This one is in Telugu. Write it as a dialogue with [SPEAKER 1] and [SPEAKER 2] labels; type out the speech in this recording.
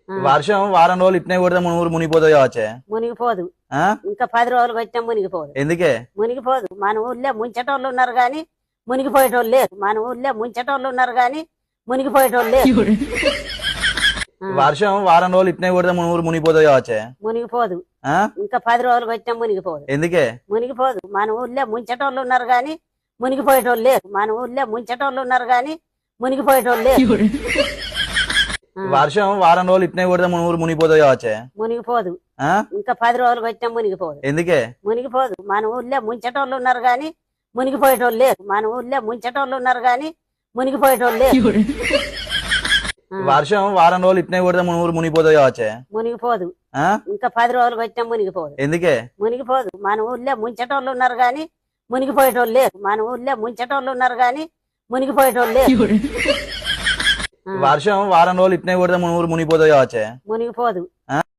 [SPEAKER 1] వర్షం వారం రోజులు ఇట్నే కొడితే మన ఊరు మునిగిపోతుంది కావచ్చే.
[SPEAKER 2] మునిగిపోదు.
[SPEAKER 1] ఆ?
[SPEAKER 2] ఇంకా 10 రోజులు వచ్చినా మునిగిపోదు.
[SPEAKER 1] ఎందుకే?
[SPEAKER 2] మునిగిపోదు. మన ఊర్లో ముంచేటోళ్ళు ఉన్నారు గాని మునిగిపోయేటోళ్ళు లేరు. మన ఊర్లో ముంచేటోళ్ళు ఉన్నారు గాని మునిగిపోయేటోళ్ళు లేరు.
[SPEAKER 1] వర్షం వారం రోజులు ఇట్నే కొడితే మన ఊరు మునిగిపోతుంది కావచ్చే.
[SPEAKER 2] మునిగిపోదు.
[SPEAKER 1] ఆ?
[SPEAKER 2] ఇంకా 10 రోజులు వచ్చినా మునిగిపోదు.
[SPEAKER 1] ఎందుకే?
[SPEAKER 2] మునిగిపోదు. మన ఊర్లో ముంచేటోళ్ళు ఉన్నారు గాని మునిగిపోయేటోళ్ళు లేరు. మన ఊర్లో ముంచేటోళ్ళు ఉన్నారు గాని మునిగిపోయేటోళ్ళు లేరు.
[SPEAKER 1] వర్షం వారం రోజులు ఇట్నే కొడితే మన ఊరు మునిగిపోతుంది కావచ్చే.
[SPEAKER 2] మునిగిపోదు.
[SPEAKER 1] ఆ?
[SPEAKER 2] ఇంకా 10 రోజులు వచ్చినా మునిగిపోదు.
[SPEAKER 1] ఎందుకే?
[SPEAKER 2] మునిగిపోదు. మన ఊర్లో ముంచేటోళ్ళు ఉన్నారు గాని మునిగిపోయేటోళ్ళు లేరు. మన ఊర్లో ముంచేటోళ్ళు ఉన్నారు గాని మునిగిపోయేటోళ్ళు లేరు.
[SPEAKER 1] వర్షం వారం రోజులు ఇట్నే కొడితే మన ఊరు మునిగిపోతుంది కావచ్చే.
[SPEAKER 2] మునిగిపోదు.
[SPEAKER 1] ఆ?
[SPEAKER 2] ఇంకా 10 రోజులు వచ్చినా మునిగిపోదు.
[SPEAKER 1] ఎందుకే?
[SPEAKER 2] మునిగిపోదు. మన ఊర్లో ముంచేటోళ్ళు ఉన్నారు గాని మునిగిపోయేటోళ్ళు లేరు. మన ఊర్లో ముంచేటోళ్ళు ఉన్నారు గాని మునిగిపోయేటోళ్ళు లేరు.
[SPEAKER 1] వర్షం వారం రోజులు ఇట్నే కొడితే మన ఊరు మునిగిపోతుంది కావచ్చే.
[SPEAKER 2] మునిగిపోదు.
[SPEAKER 1] ఆ?